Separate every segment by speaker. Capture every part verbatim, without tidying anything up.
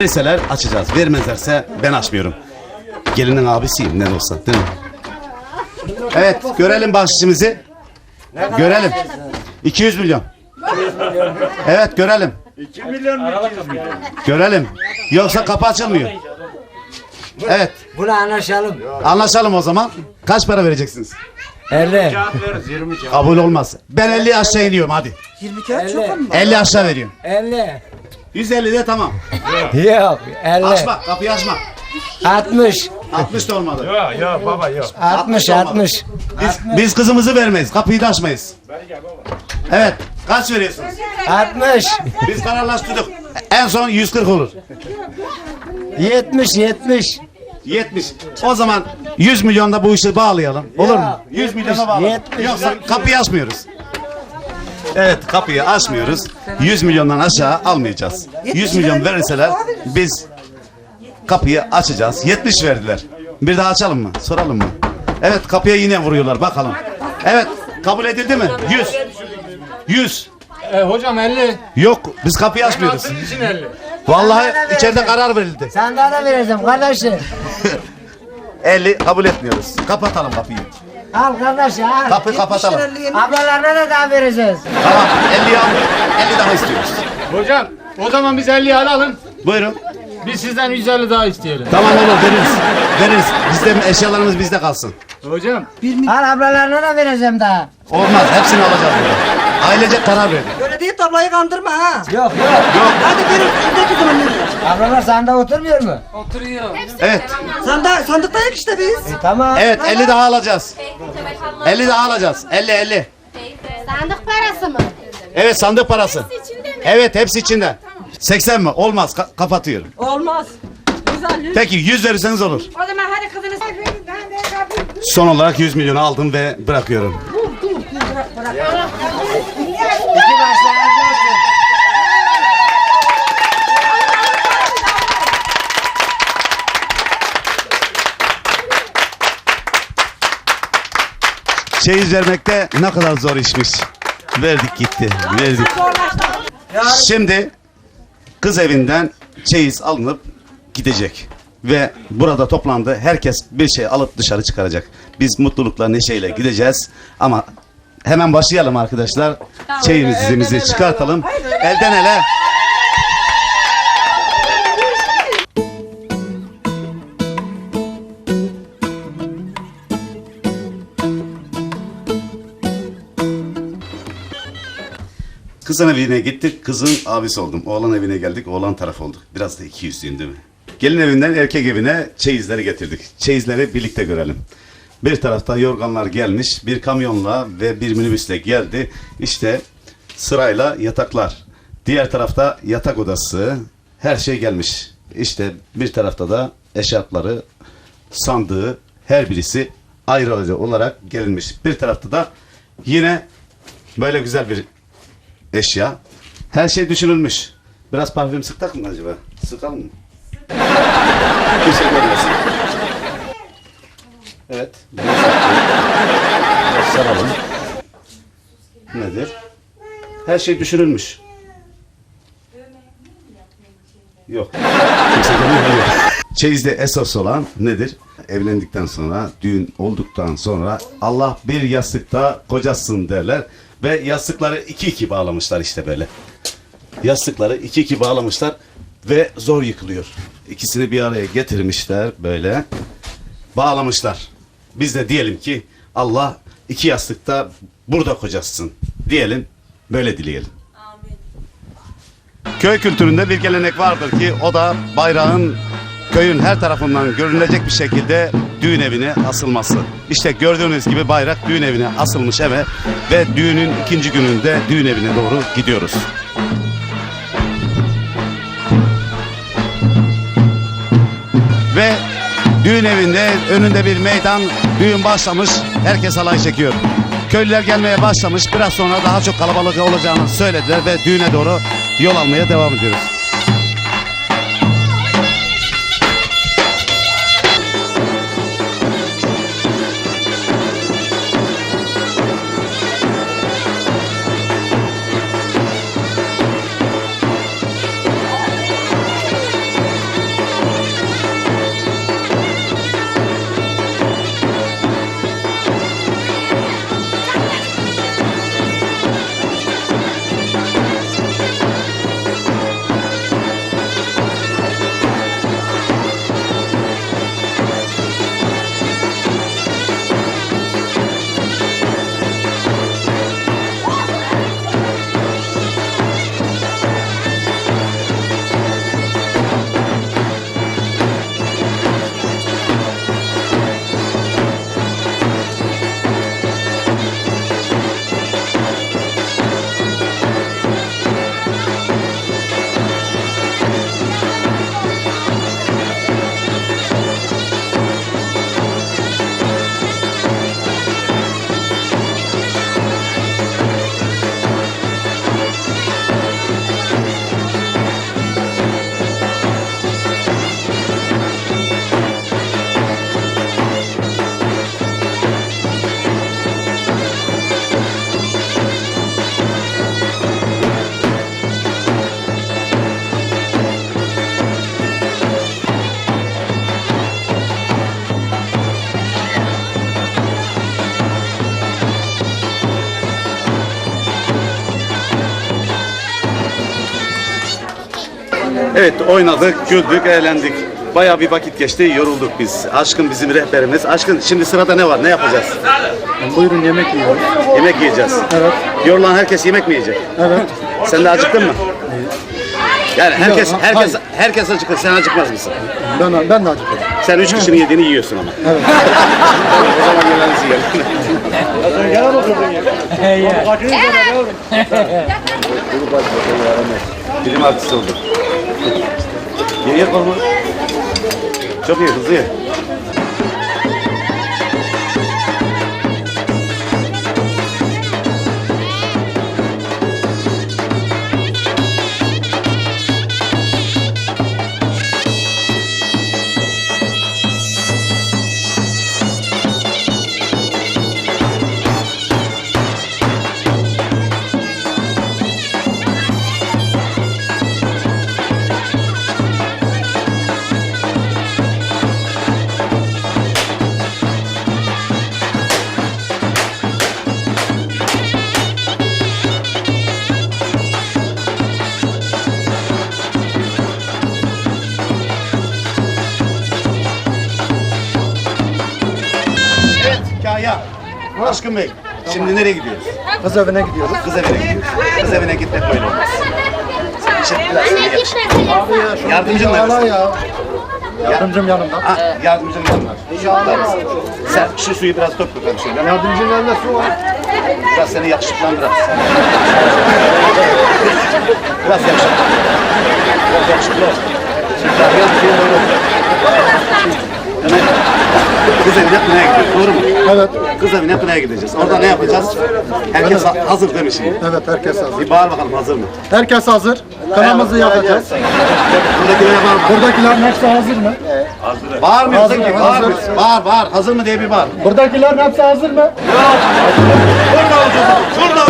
Speaker 1: Verirseler açacağız. Vermezlerse ben açmıyorum. Gelinin abisiyim ne de olsa, değil mi? Evet, görelim bahşişimizi. Görelim. iki yüz milyon. Evet, görelim.
Speaker 2: iki milyon mu?
Speaker 1: Görelim. Yoksa kapı açılmıyor. Evet.
Speaker 3: Buna anlaşalım.
Speaker 1: Anlaşalım o zaman. Kaç para vereceksiniz?
Speaker 3: elli.
Speaker 2: Kağıt veririz yirmi kağıt.
Speaker 1: Kabul olmaz. Ben elli aşağı iniyorum hadi.
Speaker 4: yirmi kağıt çok mu?
Speaker 1: elli aşağı veriyorum.
Speaker 3: elli.
Speaker 1: yüz elli de tamam.
Speaker 3: Yok. elli.
Speaker 1: Açma, kapıyı açma.
Speaker 3: altmış.
Speaker 1: altmış da olmadı.
Speaker 2: Yok yok baba yok.
Speaker 3: altmış. altmış.
Speaker 1: Biz, biz kızımızı vermeyiz. Kapıyı da açmayız. Evet. Kaç veriyorsunuz?
Speaker 3: altmış.
Speaker 1: Biz kararlaştırdık. En son yüz kırk olur.
Speaker 3: yetmiş. yetmiş.
Speaker 1: yetmiş. O zaman yüz milyonda bu işi bağlayalım. Olur mu? yüz milyona bağlayalım.
Speaker 3: yetmiş.
Speaker 1: Yoksa kapıyı açmıyoruz. Evet, kapıyı açmıyoruz. yüz milyondan aşağı almayacağız. yüz milyon verirseler biz kapıyı açacağız. yetmiş verdiler. Bir daha açalım mı? Soralım mı? Evet, kapıya yine vuruyorlar. Bakalım. Evet, kabul edildi mi? yüz. yüz.
Speaker 2: E, hocam elli.
Speaker 1: Yok, biz kapıyı açmıyoruz.
Speaker 2: Altın için elli.
Speaker 1: Vallahi içeride karar verildi.
Speaker 3: Sen daha da vereceğim kardeşim.
Speaker 1: elli kabul etmiyoruz. Kapatalım kapıyı.
Speaker 3: Al kardeşim al.
Speaker 1: Kapıyı kapatalım.
Speaker 3: Ablalarına da daha vereceğiz.
Speaker 1: Tamam, elliyi aldık. elli daha istiyoruz.
Speaker 2: Hocam o zaman biz elliyi alalım.
Speaker 1: Buyurun.
Speaker 2: Biz sizden yüz elli daha isteyelim.
Speaker 1: Tamam olur, veririz. Veririz. Bizde eşyalarımız bizde kalsın.
Speaker 2: Hocam.
Speaker 3: Al ablalarına da vereceğim daha.
Speaker 1: Olmaz, hepsini alacağız burada. Ailece karar verdik.
Speaker 4: Öyle değil tablayı kandırma ha.
Speaker 3: Yok yok.
Speaker 4: Hadi verin şuradaki zaman verin.
Speaker 3: Ablalar sanda oturmuyor mu?
Speaker 1: Evet.
Speaker 4: Sanda, sandıktayız işte biz.
Speaker 3: E, tamam.
Speaker 1: Evet, elli daha alacağız. elli daha alacağız. elli elli.
Speaker 5: Sandık parası mı?
Speaker 1: Evet, sandık parası. Evet, hepsi içinde. seksen mi? Olmaz, ka- kapatıyorum.
Speaker 4: Olmaz. Güzel.
Speaker 1: Peki yüz verirseniz olur.
Speaker 4: O zaman hadi kızını
Speaker 1: Son olarak yüz milyonu aldım ve bırakıyorum.
Speaker 3: İki başlarınız olsun.
Speaker 1: Çeyiz vermekte ne kadar zor işmiş. Verdik gitti, verdik. Şimdi kız evinden çeyiz alınıp gidecek. Ve burada toplandı. Herkes bir şey alıp dışarı çıkaracak. Biz mutlulukla, neşeyle gideceğiz. Ama hemen başlayalım arkadaşlar. Çeyizimizi çıkartalım. Elden ele. Kızın evine gittik, kızın abisi oldum. Oğlan evine geldik, oğlan taraf olduk. Biraz da iki yüzlüyüm değil mi? Gelin evinden erkek evine çeyizleri getirdik. Çeyizleri birlikte görelim. Bir tarafta yorganlar gelmiş, bir kamyonla ve bir minibüsle geldi. İşte sırayla yataklar. Diğer tarafta yatak odası, her şey gelmiş. İşte bir tarafta da eşarpları, sandığı, her birisi ayrı ayrı olarak gelinmiş. Bir tarafta da yine böyle güzel bir eşya. Her şey düşünülmüş. Biraz parfüm sıktak mı acaba? Sıkalım mı? Bir şey görmesin. Evet. Biraz saralım. Nedir? Her şey düşünülmüş. Yok. Kimse görmüyor. Çeyizde esas olan nedir? Evlendikten sonra, düğün olduktan sonra Allah bir yastıkta kocasın derler. Ve yastıkları iki iki bağlamışlar işte böyle. Yastıkları iki iki bağlamışlar ve zor yıkılıyor. İkisini bir araya getirmişler böyle. Bağlamışlar. Biz de diyelim ki Allah iki yastıkta burada kocasın diyelim. Böyle dileyelim. Köy kültüründe bir gelenek vardır ki o da bayrağın köyün her tarafından görünecek bir şekilde düğün evine asılması. İşte gördüğünüz gibi bayrak düğün evine asılmış eve ve düğünün ikinci gününde düğün evine doğru gidiyoruz. Ve düğün evinde önünde bir meydan, düğün başlamış, herkes halay çekiyor. Köylüler gelmeye başlamış, biraz sonra daha çok kalabalık olacağını söylediler ve düğüne doğru yol almaya devam ediyoruz. Evet, oynadık, güldük, eğlendik. Bayağı bir vakit geçti, yorulduk biz. Aşkın bizim rehberimiz. Aşkın, şimdi sırada ne var, ne yapacağız?
Speaker 2: Buyurun yemek yiyoruz.
Speaker 1: Yemek yiyeceğiz.
Speaker 2: Evet.
Speaker 1: Yorulan herkes yemek mi yiyecek?
Speaker 2: Evet.
Speaker 1: Sen de acıktın mı? Yani herkes,
Speaker 2: Yok,
Speaker 1: herkes,
Speaker 2: hayır.
Speaker 1: herkes acıkır. Sen acıkmaz mısın?
Speaker 2: Ben, ben de acıktım.
Speaker 1: Sen üç kişinin yediğini yiyorsun ama. Evet. O zaman yemeğinizi yiyelim.
Speaker 2: Gel oturdun ya.
Speaker 1: Bilim artisti olduk. Ye ye kolunu. Çok iyi, hızlı ye. Evet, Kaya. Aşkın Bey, şimdi nereye gidiyoruz?
Speaker 2: Kız evine gidiyoruz.
Speaker 1: Kız evine gidiyoruz. Kız evine gitmek böyle olmaz. Şimdi biraz seni yak- Yardımcın neresi?
Speaker 2: ya. Yardımcım yanımda.
Speaker 1: Ah, yardımcın yanlar. Sen şu suyu biraz dök bakalım şöyle.
Speaker 2: Yardımcım yanında su var.
Speaker 1: Biraz seni yakışıklandırar. Biraz yakışıklı. Biraz yakışıklı ol. Şimdi daha biraz bir şey böyle olacak. Hemen kız evine kınaya gidiyoruz, doğru mu?
Speaker 2: Evet.
Speaker 1: Kız evine kınaya gideceğiz. Orada ne yapacağız? Herkes ha- hazır değil mi şimdi?
Speaker 2: Evet, herkes hazır.
Speaker 1: Bir bağır bakalım, hazır mı?
Speaker 2: Herkes hazır. Kanamızı yakacağız.
Speaker 1: Buradakilere bağır bakalım.
Speaker 2: Buradakilerin hepsi hazır mı?
Speaker 1: Bağırmıyorsun
Speaker 2: Hazır,
Speaker 1: ki,
Speaker 2: hazır.
Speaker 1: bağırmıyorsun. Bağır, bağır. Hazır mı diye bir bağır.
Speaker 2: Buradakilerin hepsi hazır mı?
Speaker 1: Burada olacağız. Burada.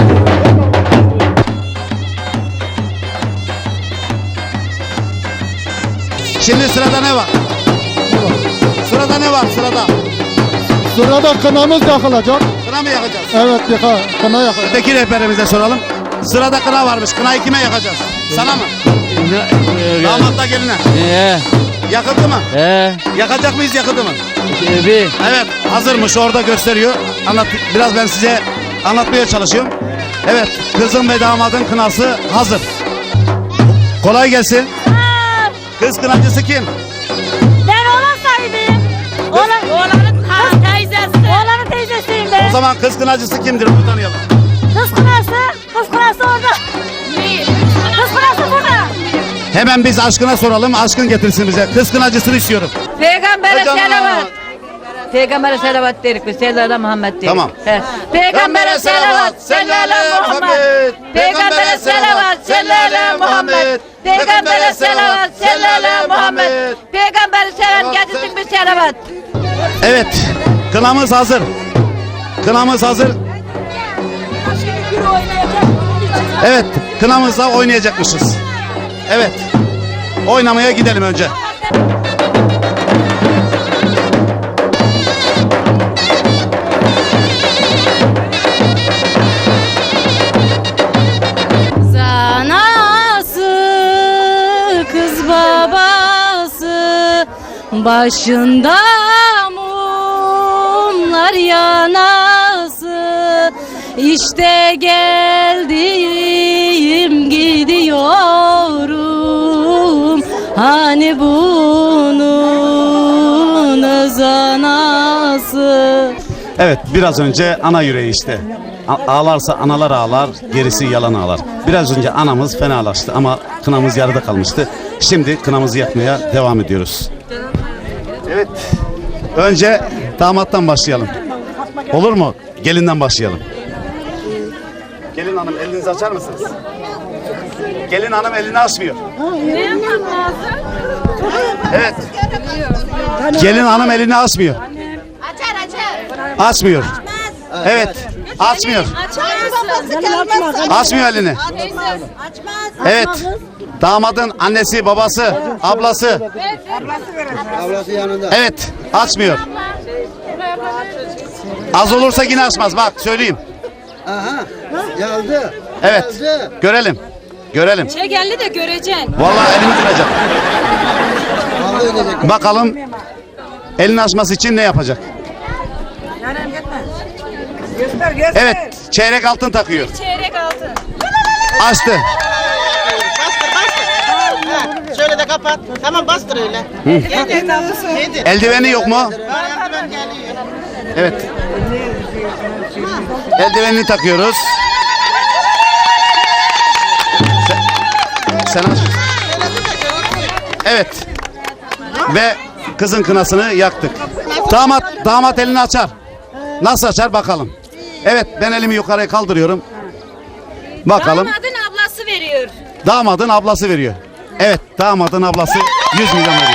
Speaker 1: Şimdi sırada ne var? Sırada ne var sırada?
Speaker 2: Sırada kınamız yakılacak.
Speaker 1: Kına mı yakacağız?
Speaker 2: Evet, yaka, kına yakılacak.
Speaker 1: Öteki rehberimize soralım. Sırada kına varmış. Kınayı kime yakacağız? Sana mı? Damatla geline.
Speaker 6: Ee,
Speaker 1: Yakıldı mı?
Speaker 6: ee,
Speaker 1: Yakacak mıyız, yakıldı mı?
Speaker 6: bir.
Speaker 1: Evet, hazırmış, orada gösteriyor. Anlat, biraz ben size anlatmaya çalışıyorum. Evet, kızın ve damadın kınası hazır. Kolay gelsin. Kız kınacısı kim?
Speaker 7: Ben oğlan sahibiyim. Oğlan, oğlanın ha, teyzesi. Oğlanın teyzesiyim
Speaker 1: O
Speaker 7: ben.
Speaker 1: zaman kız kınacısı kimdir? Onu tanıyalım.
Speaker 7: Kız kınası, kız kınası orada. Kız kınası burada.
Speaker 1: Hemen biz aşkına soralım, aşkın getirsin bize. Kız kınacısını istiyorum.
Speaker 8: Peygamber'e
Speaker 1: Hocam,
Speaker 8: selavat. Peygamber'e selavat dedik biz. Sellala Muhammed dedik.
Speaker 1: Tamam.
Speaker 8: He. Peygamber'e selavat. Sellala Muhammed. Peygamber'e selavat. Sellala Muhammed. Peygamber'e selavat. Sellala Muhammed. Peygamber'e selam getirsin bir selavat.
Speaker 1: Evet, kınamız hazır. Kınamız hazır. Evet, kınamızda oynayacakmışız. Evet, oynamaya gidelim önce.
Speaker 7: Zanası, kız babası, başında mumlar yanası. İşte geldim gidiyorum, hani bunun öz anası.
Speaker 1: Evet, biraz önce ana yüreği işte. A- ağlarsa analar ağlar, gerisi yalan ağlar. Biraz önce anamız fenalaştı ama kınamız yarıda kalmıştı. Şimdi kınamızı yakmaya devam ediyoruz. Evet, önce damattan başlayalım. Olur mu? Gelinden başlayalım. Gelin hanım, elinizi açar mısınız? Gelin hanım elini açmıyor. Evet. Gelin hanım elini açmıyor.
Speaker 5: Açar açar.
Speaker 1: Açmıyor. Evet. Açmıyor. Açmıyor elini. Evet. Damadın annesi, babası, ablası.
Speaker 3: Ablası yanında.
Speaker 1: Evet. Açmıyor. Az olursa yine açmaz. Bak söyleyeyim.
Speaker 3: Aha. Geldi.
Speaker 1: Evet. Görelim. Görelim.
Speaker 7: Çek elini de göreceksin.
Speaker 1: Vallahi elimi kıracak.
Speaker 3: Kavga edecek.
Speaker 1: Bakalım elini açması için ne yapacak?
Speaker 4: Yarın gitme. Göster göster.
Speaker 1: Evet, çeyrek altın takıyor.
Speaker 7: Çeyrek altın.
Speaker 1: Açtı.
Speaker 6: Bastır bastır. Ha, şöyle de kapat. Tamam bastır öyle. Yedir. Yedir.
Speaker 1: Eldiveni yok mu?
Speaker 6: Eldiven geliyor.
Speaker 1: Evet. Eldivenini takıyoruz. Sen, sen aç. Evet. Ve kızın kınasını yaktık. Damat damat elini açar. Nasıl açar bakalım. Evet, ben elimi yukarıya kaldırıyorum. Bakalım.
Speaker 7: Damadın ablası veriyor.
Speaker 1: Damadın ablası veriyor. Evet, damadın ablası yüz milyon veriyor.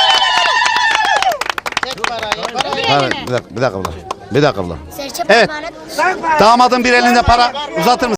Speaker 6: Çek parayı. Parayı.
Speaker 1: Evet, bir dakika, bir dakika abla. Bir dakika abla. Evet. Damadın bir elinde para uzatır mısın?